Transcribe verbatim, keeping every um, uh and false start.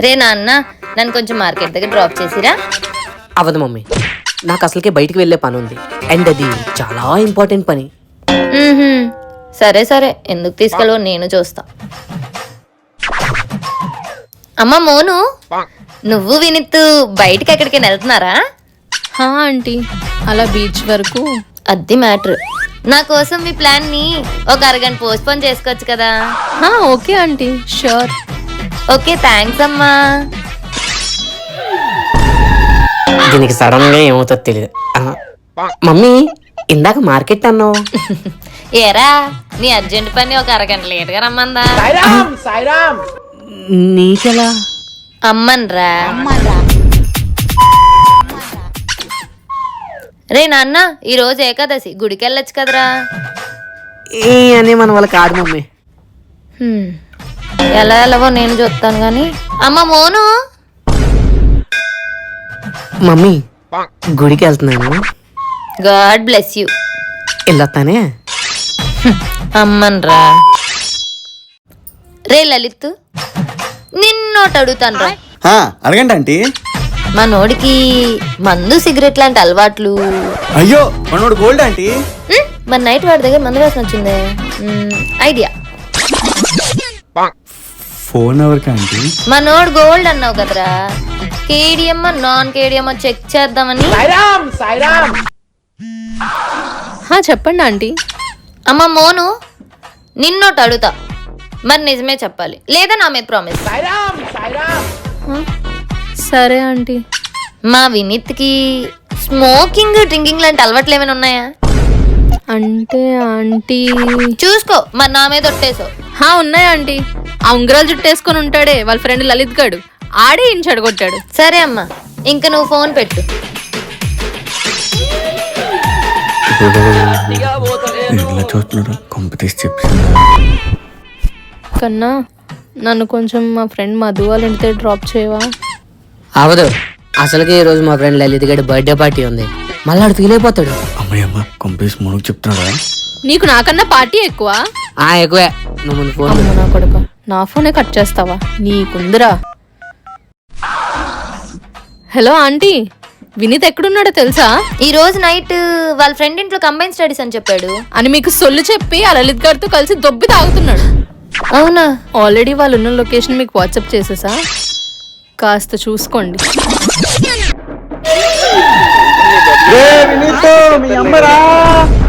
రే నాన్న, నన్ను కొంచెం మార్కెట్ దగ్గర డ్రాప్ చేసిరా. అవదు మమ్మీ, నాకు అసలుకే బయటికి వెళ్ళే పని ఉంది, అండ్ అది చాలా ఇంపార్టెంట్ పని. మ్మ్హ్మ్. సరే సరే, ఎందుకు తీసుకెళ్ళవో నేను చూస్తా. అమ్మ మోను, నువ్వు వినిత్తు బయటికి ఎక్కడికైనా వెళ్తున్నారా? హా ఆంటీ, అలా బీచ్ వరకు. అది మ్యాటర్. నా కోసం మీ ప్లాన్ ని ఒక అరగంట పోస్ట్ పోన్ చేసుకోవచ్చు కదా? హా okay aunty, sure. Okay, thanks అమ్మా. దీనికి సడన్ గా ఏమవుతుందో తెలియదు. మమ్మీ, ఇందాక మార్కెట్ అన్నావు. ఏరా, నీ అర్జెంట్ పని ఒక అరగంట లేట్గా రమ్మందా? నీకెలా? అమ్మన్రా. రే నాన్న, ఈ రోజు ఏకాదశి, గుడికి వెళ్ళొచ్చు కదరా? ఏ అని మన వాళ్ళ కాదు మమ్మీ. హ్మ్. ఎలా ఎలావో నేను చూస్తాను గాని. అమ్మ మోను, మమ్మీ గుడికి వెళ్తున్నాను. God bless you. వెళ్ళొస్తానే. అమ్మన్రా. రే లలిత్, నిన్నోటి అడుగుతాను రా. అడగండి ఆంటీ. మా నోడికి మందు సిగరెట్ లాంటి అలవాట్లు. అయ్యో, మనోడు గోల్డ్ ఆంటీ. హ్మ్, మరి నైట్ వాడి దగ్గర మందు వాసన వచ్చిందే. Hmm, idea. ఫోన్ ఎవరికి ఆంటీ? మా నోడు గోల్డ్ అన్నావు కదరా, కేడిఎం నాన్ కేడిఎం చెక్ చేద్దామని. హా చెప్పండి ఆంటీ. అమ్మ మోను, నిన్నోటి అడుగుతా, మరి నిజమే చెప్పాలి, లేదా నా మీద ప్రామిస్. సరే ఆంటీ. మా వినీత్కి స్మోకింగ్ డ్రింకింగ్ లాంటి అలవాట్లు ఏమైనా ఉన్నాయా? అంటే ఆంటీ, చూసుకో, మరి నా మీద ఒట్టేసో. హా ఉన్నాయి ఆంటీ. ఆ ఉంగరాలు జుట్టేసుకొని ఉంటాడే వాళ్ళ ఫ్రెండ్ లలిత్ గాడు, ఆడే ఇంచి అడగొట్టాడు. సరే అమ్మా, ఇంక నువ్వు ఫోన్ పెట్టు. చూస్తున్నాడు కాంపిటీస్ చెప్పి కన్నా, నన్ను కొంచెం మా ఫ్రెండ్ మధు వాళ్ళ ఇంటి డ్రాప్ చేయవా? అవదు, అసలుకే ఈ రోజు మా ఫ్రెండ్ లలిత్ గడి బర్త్డే పార్టీ ఉంది, మళ్ళీ ఆడు ఫీల్ అయిపోతాడు. అమ్మాయి అమ్మ కాంపిటీస్ మనకు చెప్తున్నాడా? నీకు నాకన్నా పార్టీ ఎక్కువ. ఆ ఎక్కువే, నువ్వు ముందు ఫోన్ అమ్మ నా కొడుకు, నా ఫోనే కట్ చేస్తావా? నీకుందిరా. హలో ఆంటీ, వినీత్ ఎక్కడున్నాడో తెలుసా? ఈ రోజు నైట్ వాళ్ళ ఫ్రెండ్ ఇంట్లో కంబైన్ స్టడీస్ అని చెప్పాడు అని మీకు సొల్లు చెప్పి ఆ లలిత్ గారితో కలిసి దొబ్బి తాగుతున్నాడు. అవునా? ఆల్రెడీ వాళ్ళు ఉన్న లొకేషన్ మీకు వాట్సాప్ చేసేసా, కాస్త చూసుకోండి. మీ అమ్మరా